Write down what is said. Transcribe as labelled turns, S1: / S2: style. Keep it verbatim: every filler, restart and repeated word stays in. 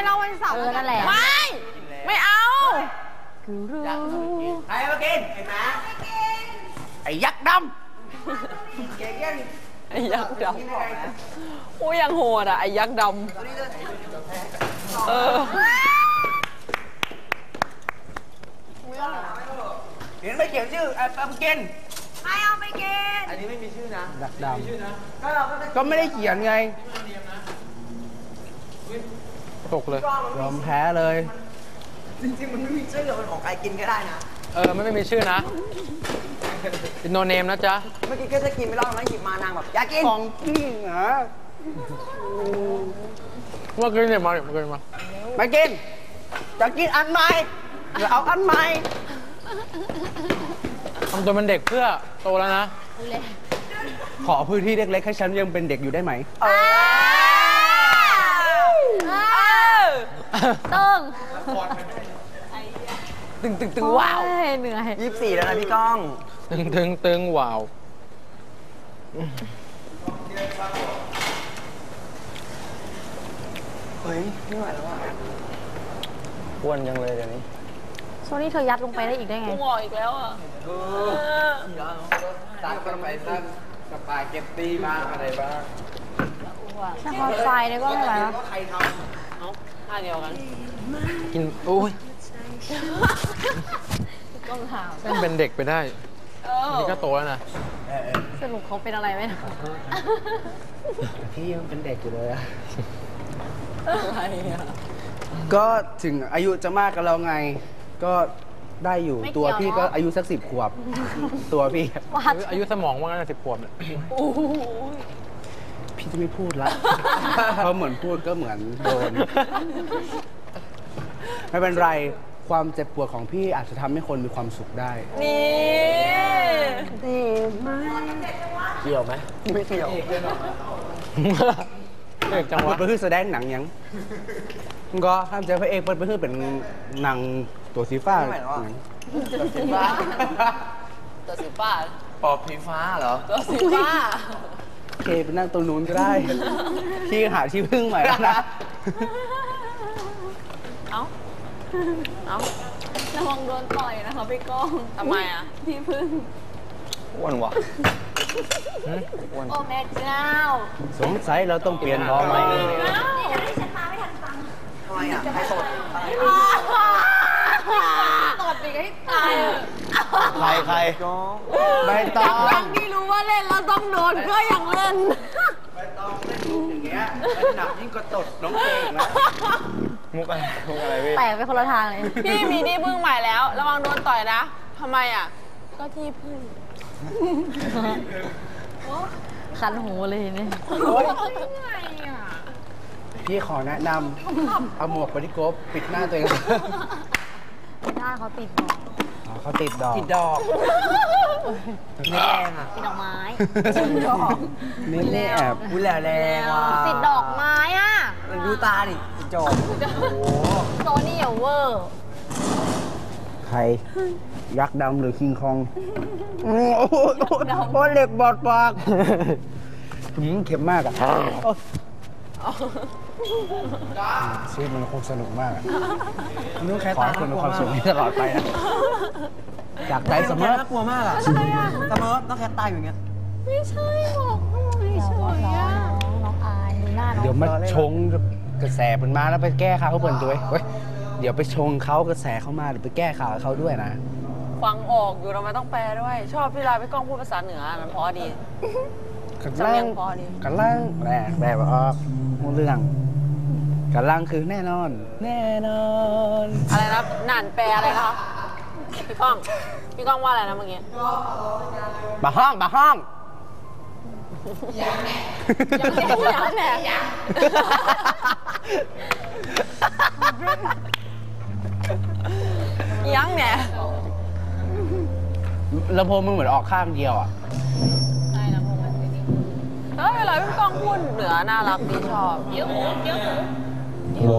S1: เล่าวันเสาร์นั่นแหละ
S2: ไม่ไม่เอา
S3: ใครมากินไอ้หมาไอ้ยักษ์ดำเก่งยัง
S2: ไอ้ยักษ์ดำโอ้ยยังโหดอ่ะไอ้ยักษ์ดำเออ
S3: เห็นไม่เขียนชื่อไอ้ปามกิน
S1: ใครเอาไปกิน
S3: อันนี้ไม่มีชื่อนะยักษ์ดำก็ไม่ได้เขียนไงตกเลยยอมแพ้เลยจริงๆมันไม่มีชื่อมันของใครกินก็ได้นะ
S4: เออไม่ไม่มีชื่อนะเป็นโนเนมนะจ๊ะ
S3: เมื่อกี้ก็จะกินไม่รอดแล้วหยิบมานางแบบอยากกินของพี่เหรอ
S4: เมื่อกี้เนี่ยมาเมื่อกี้มา
S3: ไม่กินจะกินอันใหม่หรือเอาอันใหม่
S4: ทำตัวเป็นเด็กเพื่อโตแล้วนะ
S3: ขอพื้นที่เล็กๆให้ฉันยังเป็นเด็กอยู่ได้ไหม
S1: ตึง
S3: ตึงตึงตึงว้าว
S1: เหนื่อย
S3: ยี่สิบสี่แล้วนะพี่ก้อง
S4: ตึงตึงตึงว้าว
S3: เฮ้ยไม่ไหวแล้วอ่ะอ้วนยังเลยเดี๋ยวนี้
S1: โซนี่เธอยัดลงไปได้อีกได้ไง
S2: งออีกแล้วอ่ะ
S3: ตัดกันไปสั้นสปาเกตตี้บ้างอะไรบ้าง
S1: นครไฟเนี่ยก็ไม่ไหวแล้ว
S3: ใครทำ
S2: เอาท่าเดียวกัน
S4: กินโอ้ย
S1: ก้องถาม
S4: แม่งเป็นเด็กไปได้นี่ก็โตแล้วนะ
S1: สรุปเขาเป็นอะไรไหมนะ
S3: พี่ยังเป็นเด็กอยู่เลยอะก็ถึงอายุจะมากกันแล้วไงก็ได้อยู่ตัวพี่ก็อายุสักสิบขวบตัวพี่
S4: อายุสมองว่างั้นสิบขวบเนี่ย
S3: พี่จะไม่พูดละเพราะเหมือนพูดก็เหมือนโดนไม่เป็นไรความเจ็บปวดของพี่อาจจะทำให้คนมีความสุขได้
S2: นี่
S3: ดีมากเกี่ยวไหมไม่เกี่ยว
S4: เอกจังหวะ
S3: เปิดเพื่อแสดงหนังยังก็ห้ามใจพระเอกเปิดเพื่อเป็นหนังตัวสีฟ้า
S2: ตัวสีฟ้าตัวสีฟ้า
S3: ปอบสีฟ้าเหรอ
S2: ตัวสีฟ้า
S3: โอเคไปนั่งตรงนู้นก็ได้พี่หาที่พึ่งใหม่แล้วนะ
S2: เอ้าเอ้า
S1: ระวังโดนต่อยนะคะพี่ก้อง
S2: ทำไมอ่ะ
S1: ที่พึ่ง
S3: อ้วนวะ
S1: โอ้แม่เจ้า
S3: สงสัยเราต้องเปลี่ยนพอไหม
S1: นี่ให้ฉันมาไม่ทันฟัง
S3: ทำไมอ่ะให้สด
S1: ตดอีกให้ตาย
S3: ใครใครไม่ต้อง
S1: ทั้งที่รู้ว่าเล่นแล้วต้องโดนก็ยังเล่น
S3: ไม่ต้องเล่นมุกอย่างเงี้ยหนักยิ่งกว่าตดน้องเองนะมุกอะไรมุกอะไรพี่
S1: แตกไปคนละทางเลย
S2: พี่มีที่พึ่งใหม่แล้วระวังโดนต่อยนะทำไมอ่ะก็ที่พึ่ง
S1: คันหูเลยนี่
S3: พี่ขอแนะนำเอาหมวกปฏิกบปิดหน้าตัวเอง
S1: ไม่ได้เขาติดดอก
S3: เขาติดดอกติดดอกนี่แรงอ่ะ
S1: ติดดอกไม้
S3: ติดดอกนี่แอบอุ้ยแหล่แรงว่ะ
S1: ติดดอกไม้อ่ะ
S3: ดูตาดิติดจอบโอ้โห
S1: โซนี่อย่าเวอร์
S3: ใครยักษ์ดำหรือคิงคองโอ้โหเล็กบอดปากเข็มมากอ่ะชีวิตมันคงสนุกมากนุ้งแค่ตาคุณมีความสุขตลอดไปนะจากใจเสมอน่ากลัวมากอ่ะเสมอต้องแค่ตายอย่างเงี้ย
S1: ไม่ใช่บอกไม่ใช่น้องอายดูหน้าน้อง
S3: เดี๋ยวมาชงกระแสมันมาแล้วไปแก้ข่าวเขาเปิดด้วยเฮ้ยเดี๋ยวไปชงเขากระแสเขามาเดี๋ยวไปแก้ข่าวเขาด้วยนะ
S2: ฟังออกอยู่ทำไมต้องแปลด้วยชอบพี่ลาพี่ก้องพูดภาษาเหนือมันเพราะดี
S3: กันล่างกันล่างแหละแบบออกเรื่องกันล่างคือแน่นอนแน่นอน
S2: อะไรนะหนานแปลอะไรคะพี่ก้องพี่ก้องว่าอะไรนะเมื่อกี้
S3: บะห้องบะห้อง
S2: ยังแหน่ยังแหน่ยังแหน่
S3: ลำโพงมึงเหมือนออกข้างเดียวอ่ะ
S2: ใช่ลำโพงมันดีเฮ้ยเวลาพี่ก้องพูดเหนือน่ารักดีชอบเยอะเยอะ